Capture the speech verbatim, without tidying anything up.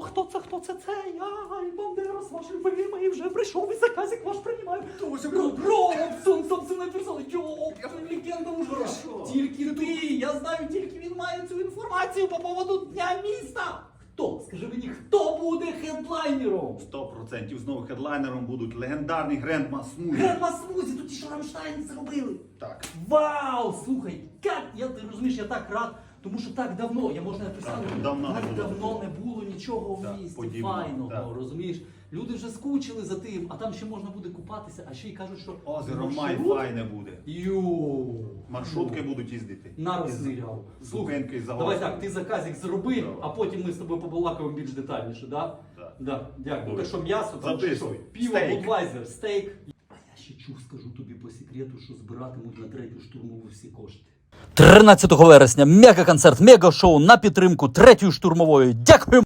хто це, хто це, це? Я, і Бандерас, ваш любимий, вже прийшов, і заказик ваш приймаю. Робсон, собственною персоною, йоп, легенда уже. Тільки ти, я знаю, тільки він має цю інформацію по поводу Дня міста. Хто? Скажи мені, хто буде хедлайнером? Сто процентів знову хедлайнером будуть легендарний Грендма Смузі. Гренма Смузі, тут ті, що Рамштайн зробили. Так. Вау, слухай, як, я, ти розумієш, я так рад, тому що так давно, я можна написати, Так, давно так не було. давно не було нічого в Так, місті подібного, файного, так. розумієш? Люди вже скучили за тим, а там ще можна буде купатися, а ще й кажуть, що Озеро Май маршрут- файне буде. Йоу. Маршрутки будуть їздити. На розстріляв. Зупинки за Давай гостем. так, ти заказик зроби, Давай. а потім ми з тобою побалакаємо більш детальніше, да? Так. Да, дякую. Добре. Так що м'ясо, там Записуй. що, пиво, Стейк. будвайзер, стейк. А я ще чув, скажу тобі по секрету, що збиратимуть на третю штурмову всі кошти. тринадцятого вересня мега-концерт, мега-шоу на підтримку третьої штурмової. Дякую!